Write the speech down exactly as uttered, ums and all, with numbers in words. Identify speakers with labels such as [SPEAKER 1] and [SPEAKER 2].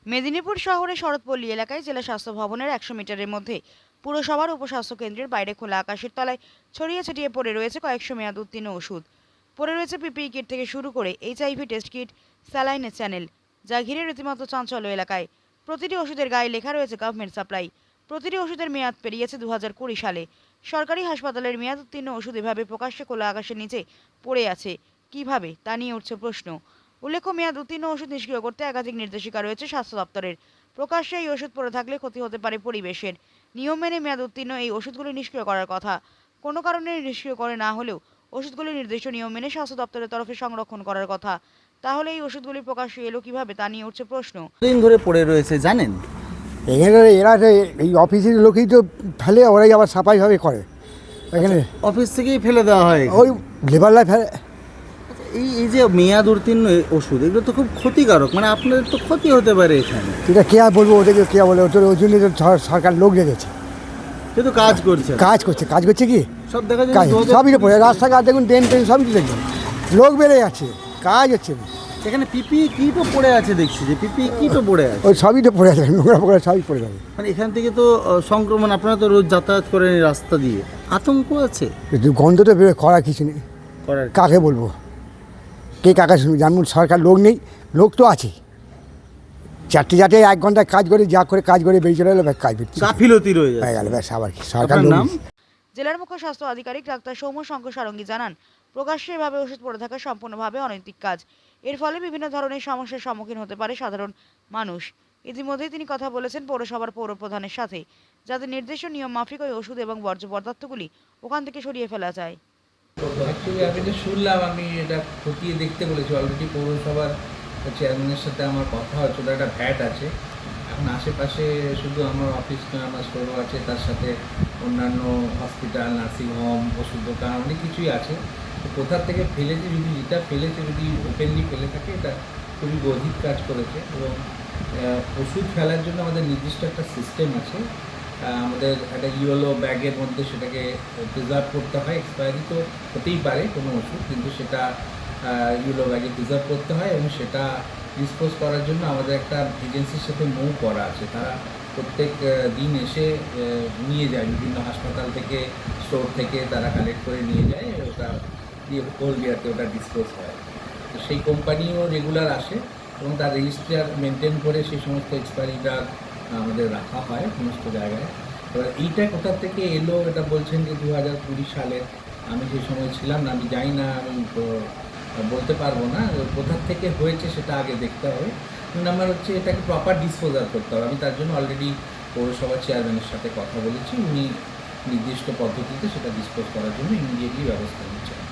[SPEAKER 1] মেদিনীপুর শহরের শরৎপল্লী এলাকায় জেলা স্বাস্থ্য ভবনের একশো মিটারের মধ্যে পুরসভার উপস্বাস্থ্য কেন্দ্রের বাইরে খোলা আকাশের তলায় ছড়িয়ে ছিটিয়ে পড়ে রয়েছে কয়েকশো মেয়াদ উত্তীর্ণ ওষুধ। পড়ে রয়েছে পিপিই কিট থেকে শুরু করে এইচআইভি টেস্ট কিট, স্যালাইনের চ্যানেল, যা ঘিরে রীতিমতো চাঞ্চল্য এলাকায়। প্রতিটি ওষুধের গায়ে লেখা রয়েছে গভর্নমেন্ট সাপ্লাই। প্রতিটি ওষুধের মেয়াদ পেরিয়েছে দু হাজার কুড়ি সালে। সরকারি হাসপাতালের মেয়াদ উত্তীর্ণ ওষুধ এভাবে প্রকাশ্যে খোলা আকাশের নিচে পড়ে আছে কিভাবে, তা নিয়ে উঠছে প্রশ্ন। উল্লেখ্য, মেয়াদ উত্তীর্ণ ওষুধ নিষ্ক্রিয় করতে একাধিক নির্দেশিকা রয়েছে স্বাস্থ্য দপ্তরের। প্রকাশ্যে এই ওষুধ পড়ে থাকলে ক্ষতি হতে পারে পরিবেশের। নিয়ম মেনে মেয়াদ উত্তীর্ণ এই ওষুধগুলি নিষ্ক্রিয় করার কথা। কোনো কারণে নিষ্ক্রিয় করে না হলেও ওষুধগুলি নির্দিষ্ট নিয়ম মেনে স্বাস্থ্য দপ্তরের তরফে সংরক্ষণ করার কথা। তাহলে এই ওষুধগুলি প্রকাশ্যে এলো কিভাবে, তা নিয়ে উঠছে প্রশ্ন।
[SPEAKER 2] দিন ধরে পড়ে রয়েছে জানেন?
[SPEAKER 3] এখানে এরা তো এই অফিসের লোকই তো ফেলে, ওরাই আবার সাফাইভাবে করে এখানে।
[SPEAKER 2] অফিস থেকেই ফেলে দেওয়া হয়
[SPEAKER 3] ওই লেবাররা ফেলে।
[SPEAKER 2] এই এই যে মেয়াদ উত্তীর্ণ ওষুধ, এগুলো তো খুব ক্ষতিকারক, মানে আপনাদের তো ক্ষতি হতে পারে এখানে।
[SPEAKER 3] এটা কে আর বলবো, ওদেরকে কে বলে, ওদের ওই জন্য তো সর- সরকার লোক রেখেছে,
[SPEAKER 2] কিন্তু কাজ করছে না।
[SPEAKER 3] কাজ করছে। কাজ করছে কি
[SPEAKER 2] সব দেখা
[SPEAKER 3] কাজ
[SPEAKER 2] যায়
[SPEAKER 3] সবই তো পড়ে, রাস্তাঘাট দেখুন, ট্রেন ট্রেন সবই তো দেখবেন, লোক বেড়ে যাচ্ছে, কাজ হচ্ছে না।
[SPEAKER 2] এখানে পিপি কিটও পড়ে আছে, দেখছি যে পিপি কিটও পড়ে আছে।
[SPEAKER 3] ওই সবই তো পড়ে যাবে, নোংরা পোকরা সবই পড়ে যাবে।
[SPEAKER 2] মানে এখান থেকে তো আহ, সংক্রমণ, আপনারা তো রোজ যাতায়াত করেন এই রাস্তা দিয়ে, আতঙ্ক আছে
[SPEAKER 3] কিন্তু গন্ধ তো বেরোয়, করার কিছু নেই।
[SPEAKER 2] করার।
[SPEAKER 3] কাকে বলবো, কে কাকে শুনবো? যেমন সরকার লোক নেই, লোক তো আছে। চারটে চারটে এক ঘন্টা কাজ করে, যা করে কাজ করে বেরিয়ে চলে এলো, ব্যাস কাজ করছে,
[SPEAKER 2] গাফিলতি রয়ে
[SPEAKER 3] হয়ে
[SPEAKER 2] যায়।
[SPEAKER 3] গেল, ব্যাস। আবার কি সরকার
[SPEAKER 2] আপনার
[SPEAKER 3] লোক
[SPEAKER 2] নাম?
[SPEAKER 3] নেই।
[SPEAKER 1] জেলার মুখ্য স্বাস্থ্য আধিকারিক ডাক্তার সৌম্য শঙ্কর সারঙ্গী জানান, প্রকাশ্যে এভাবে ওষুধ পড়ে থাকা সম্পূর্ণভাবে অনৈতিক কাজ। এর ফলে বিভিন্ন ধরনের সমস্যার সম্মুখীন হতে পারে সাধারণ মানুষ। ইতিমধ্যেই তিনি কথা বলেছেন পৌরসভার পৌর প্রধানের সাথে, যাতে নির্দিষ্ট নিয়ম মাফিক ওই ওষুধ এবং বর্জ্য পদার্থগুলি ওখান থেকে সরিয়ে ফেলা যায়।
[SPEAKER 4] অ্যাকচুয়ালি আমি এটা শুনলাম, আমি এটা খতিয়ে দেখতে বলেছি। অলরেডি পৌরসভার চেয়ারম্যানের সাথে আমার কথা হচ্ছে, ওটা একটা ভ্যাট আছে। এখন আশেপাশে শুধু আমার অফিস নয়, আমার স্টোরও আছে, তার সাথে অন্যান্য হসপিটাল, নার্সিংহোম, ওষুধ দোকান, অনেক কিছুই আছে। তো কোথার থেকে ফেলেছে, যদি যেটা ফেলেছে যদি ওপেনলি ফেলে থাকে, এটা খুবই গভীর কাজ করেছে। এবং ওষুধ ফেলার জন্য আমাদের নির্দিষ্ট একটা সিস্টেম আছে। আমাদের একটা ইয়েলো ব্যাগের মধ্যে সেটাকে প্রিজার্ভ করতে হয়। এক্সপায়ারি তো হতেই পারে কোনো ওষুধ, কিন্তু সেটা ইয়েলো ব্যাগে প্রিজার্ভ করতে হয় এবং সেটা ডিসপোজ করার জন্য আমাদের একটা এজেন্সির সাথে মুভ করা আছে। তারা প্রত্যেক দিন এসে নিয়ে যায়, বিভিন্ন হাসপাতাল থেকে, স্টোর থেকে তারা কালেক্ট করে নিয়ে যায়, ওটা দিয়ে কোল্ড ইয়ারতে ওটা ডিসপোজ হয়। তো সেই কোম্পানিও রেগুলার আসে এবং তার রেজিস্ট্রার মেনটেন করে সেই সমস্ত এক্সপায়ারিটা আমাদের রাখা হয় সমস্ত জায়গায়। এবার এইটা কোথা থেকে এলো, এটা বলছেন যে দু হাজার কুড়ি সালে, আমি সেই সময় ছিলাম না, আমি জানি না, আমি বলতে পারবো না কোথার থেকে হয়েছে, সেটা আগে দেখতে হবে। দুই নাম্বার হচ্ছে এটাকে প্রপার ডিসপোজাল করতে হবে। আমি তার জন্য অলরেডি পৌরসভা চেয়ারম্যানের সাথে কথা বলেছি, উনি নির্দিষ্ট পদ্ধতিতে সেটা ডিসপোজ করার জন্য ইমিডিয়েটলি ব্যবস্থা নিচ্ছেন।